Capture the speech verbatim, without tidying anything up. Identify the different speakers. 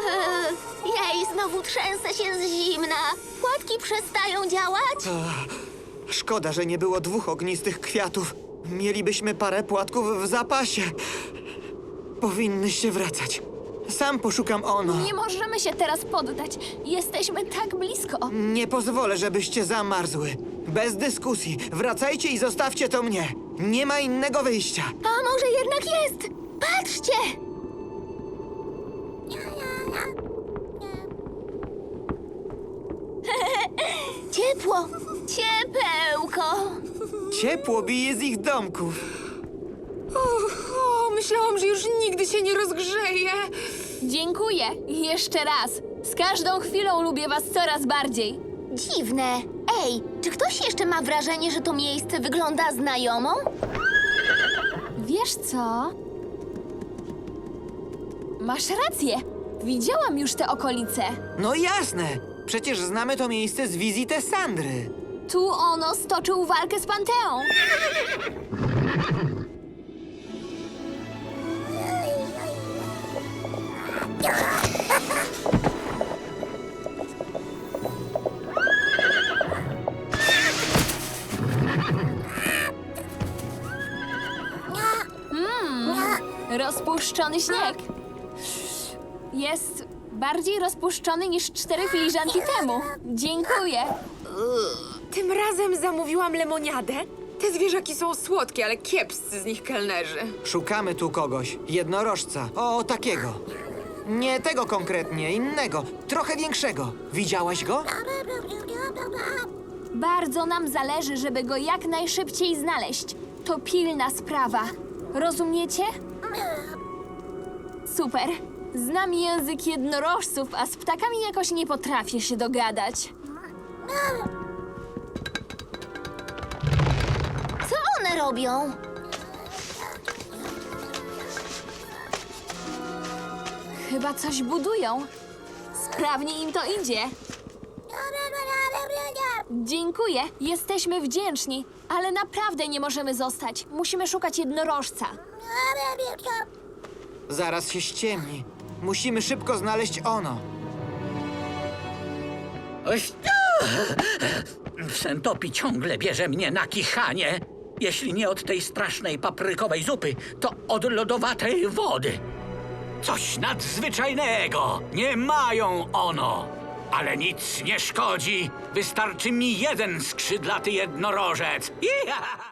Speaker 1: Jej, znowu trzęsę się z zimna. Płatki przestają działać?
Speaker 2: Szkoda, że nie było dwóch ognistych kwiatów. Mielibyśmy parę płatków w zapasie. Powinnyście wracać. Sam poszukam Ono.
Speaker 3: Nie możemy się teraz poddać. Jesteśmy tak blisko.
Speaker 2: Nie pozwolę, żebyście zamarzły. Bez dyskusji. Wracajcie i zostawcie to mnie. Nie ma innego wyjścia.
Speaker 1: A może jednak jest? Patrzcie! Ciepło! Ciepełko!
Speaker 2: Ciepło bije z ich domków.
Speaker 4: O, myślałam, że już nigdy się nie rozgrzeje.
Speaker 3: Dziękuję. Jeszcze raz. Z każdą chwilą lubię was coraz bardziej.
Speaker 1: Dziwne. Ej, czy ktoś jeszcze ma wrażenie, że to miejsce wygląda znajomo?
Speaker 3: Wiesz co? Masz rację. Widziałam już te okolice.
Speaker 2: No jasne. Przecież znamy to miejsce z wizyty Sandry.
Speaker 3: Tu Ono stoczył walkę z Panteą. Mm, rozpuszczony śnieg. Jest bardziej rozpuszczony niż cztery filiżanki temu. Dziękuję.
Speaker 4: Tym razem zamówiłam lemoniadę. Te zwierzaki są słodkie, ale kiepscy z nich kelnerzy.
Speaker 2: Szukamy tu kogoś. Jednorożca. O, takiego. Nie tego konkretnie, innego. Trochę większego. Widziałaś go?
Speaker 3: Bardzo nam zależy, żeby go jak najszybciej znaleźć. To pilna sprawa. Rozumiecie? Super. Znam język jednorożców, a z ptakami jakoś nie potrafię się dogadać.
Speaker 1: Co one robią?
Speaker 3: Chyba coś budują. Sprawnie im to idzie. Dziękuję, jesteśmy wdzięczni, ale naprawdę nie możemy zostać. Musimy szukać jednorożca.
Speaker 2: Zaraz się ściemni. Musimy szybko znaleźć Ono.
Speaker 5: Oś- Sentopi ciągle bierze mnie na kichanie. Jeśli nie od tej strasznej paprykowej zupy, to od lodowatej wody. Coś nadzwyczajnego. Nie mają Ono. Ale nic nie szkodzi. Wystarczy mi jeden skrzydlaty jednorożec. Iha!